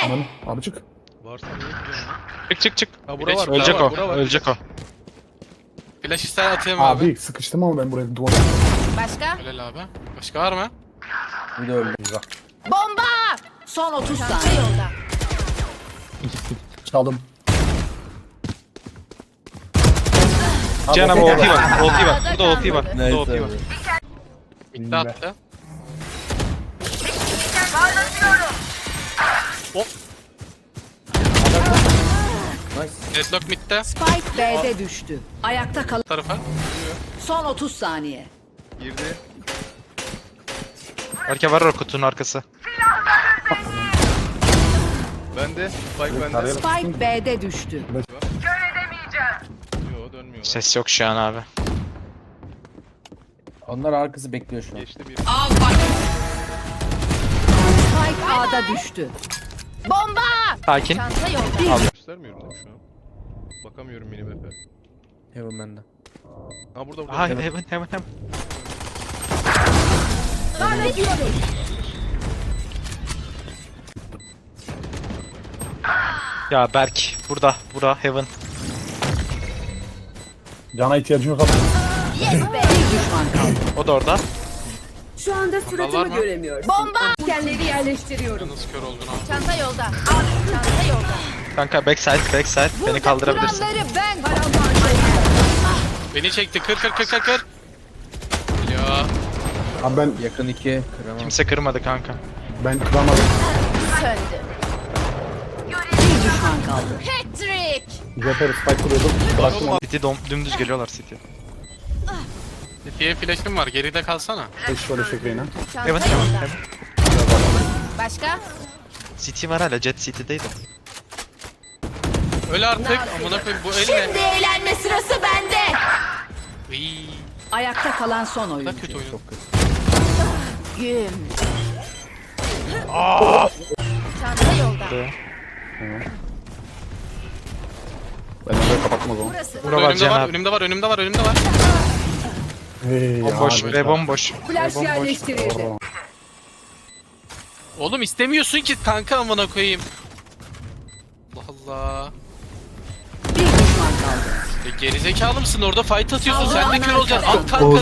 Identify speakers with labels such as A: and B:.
A: Aman abi çık.
B: Varsa niye gidiyorsun lan?
C: Çık çık çık.
B: Ha bura var.
C: Ölecek
B: bura
C: o.
B: var, bura var.
C: Ölecek o.
D: Flash ister atayım abi.
A: Abi sıkıştım ama ben buraya duvar.
E: Başka?
D: Helal abi. Başka var mı?
F: Bir de öldü.
E: Bomba! Son 30 saniye yolda.
A: Çaldım.
C: Cihan abi
A: okey.
C: OP var. OP var. Burada OP var. Burada
F: Neyse
C: OP var.
F: abi.
D: Bitti attı.
F: Nice.
D: Deadlock midde.
E: Spike B'de düştü. Ayakta kalan
D: Tarafa.
E: son 30 saniye.
B: Girdi.
C: Erke var o kutunun arkası.
B: Bende. Spike bende.
A: Tarayalım.
E: Spike B'de düştü.
B: Yo dönmüyorlar.
C: Ses yok şu an abi.
F: Onlar arkası bekliyor şu an.
B: Geçti bir.
E: Spike A'da düştü. Bomba!
C: Sakin.
E: Çanta yolda.
B: Göstermiyorum değil mi şu an? Bakamıyorum mini map'e.
F: Heaven bende.
B: Ha burada burada.
C: Aha hemen. Ya Berk burada. Bura Heaven.
A: Cana ihtiyacın yok abi.
E: Bir düşman kaldı.
C: O da orada.
G: Şu anda
D: var
G: suratımı
D: mı?
G: göremiyorsun.
E: Bomba!
G: Dikenleri yerleştiriyorum.
D: Nasıl kör oldun abi?
E: Çanta yolda. Çanta yolda.
C: Kanka backside. Beni kaldırabilirsin.
E: Kuralları ben
D: Beni çekti. Kır. Ya.
A: Abi ben
F: Yakın 2. Kıramam.
C: Kimse kırmadı kanka.
A: kıramadım.
E: söndü. Bir düşman kaldı. Patrick!
A: Jeper spike kuruyordum. Bıraktım onu.
C: City dümdüz geliyorlar City.
D: City'ye flash'im var. Geride kalsana.
A: Beş şöyle şekleyine.
E: Çanta
C: Heaven.
E: yolda. Başka?
C: City var hala. Jet City'deydi.
D: Öl artık. Amına koyayım bu el ne?
E: Şimdi eğlenme sırası bende.
D: Iiii.
E: Ayakta kalan son
D: Ne
E: oyuncu.
D: kötü oyun.
E: Güm. Çanta yolda.
A: Ben orayı kapattım o zaman.
E: Burası.
C: Bura var Cihan abi.
D: Önümde var.
A: Hey
C: Bomboş
A: abi.
C: ve bomboş.
G: Flash yerleştirildi.
D: Oğlum istemiyorsun ki kanka amına koyayım. Allah Allah.
E: Bir düşman kaldı.
D: Gerizekalı mısın orada fight atıyorsun sen de kör olacaksın. At kanka
A: Oğuz